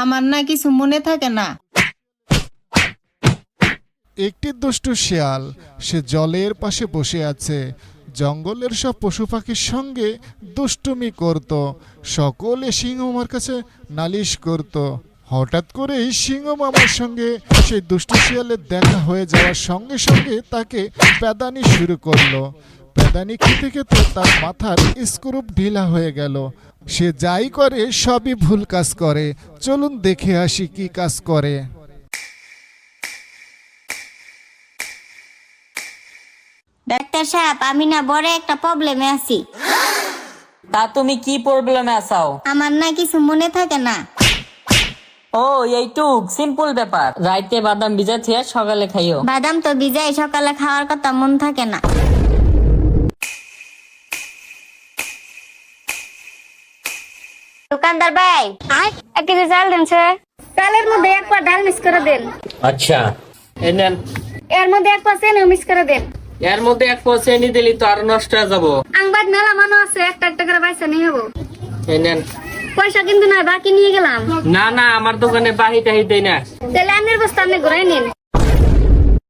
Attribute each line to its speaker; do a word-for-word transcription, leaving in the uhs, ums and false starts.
Speaker 1: আমার না কিছু মনে থাকে না।
Speaker 2: একটি দুষ্টু শিয়াল সে জলের পাশে বসে আছে। জঙ্গলের সব পশু পাখির সঙ্গে দুষ্টুমি করত। সকলে সিংহ মামার কাছে নালিশ করত। হঠাৎ করেই সিংহ মামার সঙ্গে সেই দুষ্টু শিয়ালের দেখা হয়ে যাওয়ার সঙ্গে সঙ্গে তাকে প্যাদানি শুরু করলো। প্যাদানি খেতে খেতে তার মাথার স্ক্রুপ ঢিলা হয়ে গেল। সে যাই করে সবই ভুল কাজ করে। চলুন দেখে আসি কি কাজ করে।
Speaker 3: ডাক্তার সাহেব, আমি না বড় একটা প্রবলেমে আছি।
Speaker 4: তা তুমি কি প্রবলেমে আছো?
Speaker 3: আমার না কিছু মনে থাকে না।
Speaker 4: ও এইটুক সিম্পল ব্যাপার। রাইতে বাদাম ভিজা থিয়া সকালে খাইও।
Speaker 3: বাদাম তো ভিজাই, সকালে খাওয়ার কথা মন থাকে না। দোকানদার ভাই, এক কেজি চাল দেন স্যার। চালের মধ্যে এক পা ডাল মিক্স করে দেন।
Speaker 4: আচ্ছা এই নেন।
Speaker 3: এর মধ্যে এক পা চেনি মিক্স করে দেন।
Speaker 4: এর মধ্যে এক পয়সা এনে দিলি তো আর নষ্ট হয়ে যাবো।
Speaker 3: আংবাদ মেলা মানুষ আছে, একটা একটা করে পয়সা নিয়ে যাবো।
Speaker 4: এই নেন।
Speaker 3: পয়সা কিন্তু না, বাকি নিয়ে গেলাম।
Speaker 4: না না, আমার দোকানে বাহি টাহি দেয় না।
Speaker 3: তাহলে আনের বস্তা আপনি ঘুরাই নিন।